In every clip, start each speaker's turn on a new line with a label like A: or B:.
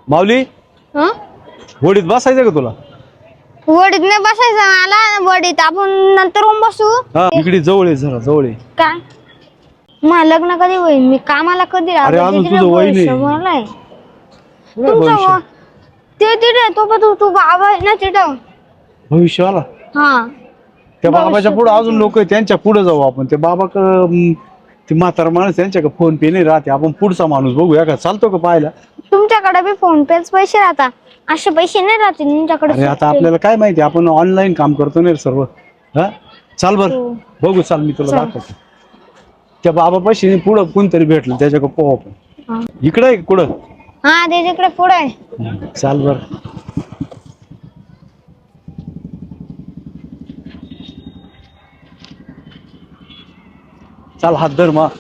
A: माऊली
B: हं?
A: होडीत बसायचं का तुला?
B: वडीत नाही बसायचं मला, वडीत आपण नंतर बसू.
A: हा इकडे जवळ आहे, जरा जवळ आहे.
B: काय मग लग्न कधी होईल? मी कामाला कधी
A: अरे अजून तुझं वय नाही.
B: तुमचं ते तिथे तो पण तू बाबा आहे ना तिथं
A: भविष्याला
B: हा.
A: त्या बाबाच्या पुढे अजून लोक आहे, त्यांच्या पुढे जाऊ आपण. त्या बाबा ते म्हातारा माणूस त्यांच्याकडे फोन पे नाही राहते, आपण पुढचा माणूस बघूया का, चालतो का पाहायला?
B: तुमच्याकडे बी फोन पेच पैसे राहतात, असे पैसे नाही राहते तुमच्याकडे.
A: अरे आता आपल्याला काय माहिती, आपण ऑनलाईन काम करतो ना रे सर्व. हा चाल बर बघू, चाल मी तुला दाखवतो. त्या बाबा पैसे पुढं कोणतरी भेटलं त्याच्याकडे पाहू आपण. इकडे आहे कुठं?
B: हा त्याच्याकडे पुढे आहे.
A: चाल बर. चाल हात धर मा,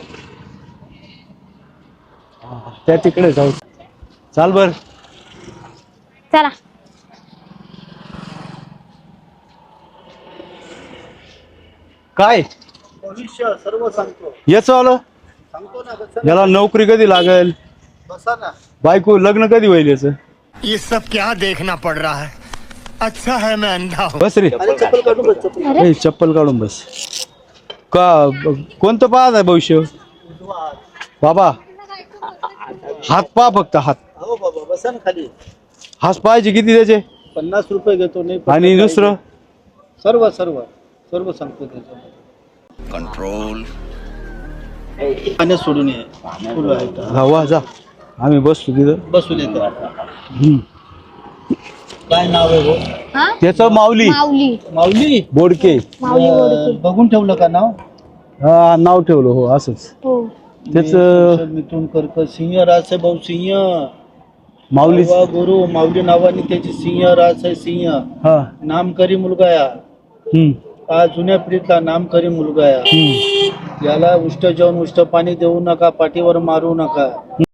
A: त्या तिकडे जाऊ. चाल बर.
B: चला
A: काय
C: भविष्य सर्व सांगतो.
A: याच आलं
C: सांगतो ना बसा
A: याला नोकरी कधी लागेल,
C: ना.
A: बायको लग्न कधी होईल याचं?
D: ये सब क्या देखना पड़ रहा है? अच्छा है मैं अंधा हूँ।
A: बस रे.
C: अरे चप्पल काढून बस, चप्पल.
A: ए, चप्पल काढून बस. का कोणतं पाहत आहे भविष्य? बाबा हात पहा फक्त, हात
C: हो बाबा बसा ना खाली.
A: हात पाहायचे किती त्याचे?
C: 50 रुपये घेतो. नाही
A: आणि दुसरं
C: सर्व सर्व सर्व सांगतो त्याच्यामध्ये.
D: कंट्रोल
C: पाण्यात सोडून ये. फुलं आहेत.
A: हा वा जा, आम्ही बसतो तिथं.
C: बसू देतो.
A: हम्म.
C: काय नाव आहे भाऊ?
B: हा
A: त्याचं माऊली
B: माऊली
C: माऊली.
A: बोडके.
B: माऊली बोडके.
C: बघून ठेवलं का नाव?
A: हा नाव ठेवलं हो असंच.
B: हो
A: त्याच
C: मिथून कर्क सिंह रास आहे भाऊ. सिंह
A: माऊली.
C: वा गुरु माऊली नावाने त्याची सिंह रास आहे. सिंह
A: हा.
C: नामकरी मुलगा या.
A: हम्म.
C: हा जुन्या पिढीतला नामकरी मुलगा या.
A: हम्म.
C: याला उष्ट जेवण उष्ट पाणी देऊ नका, पाठीवर मारू नका.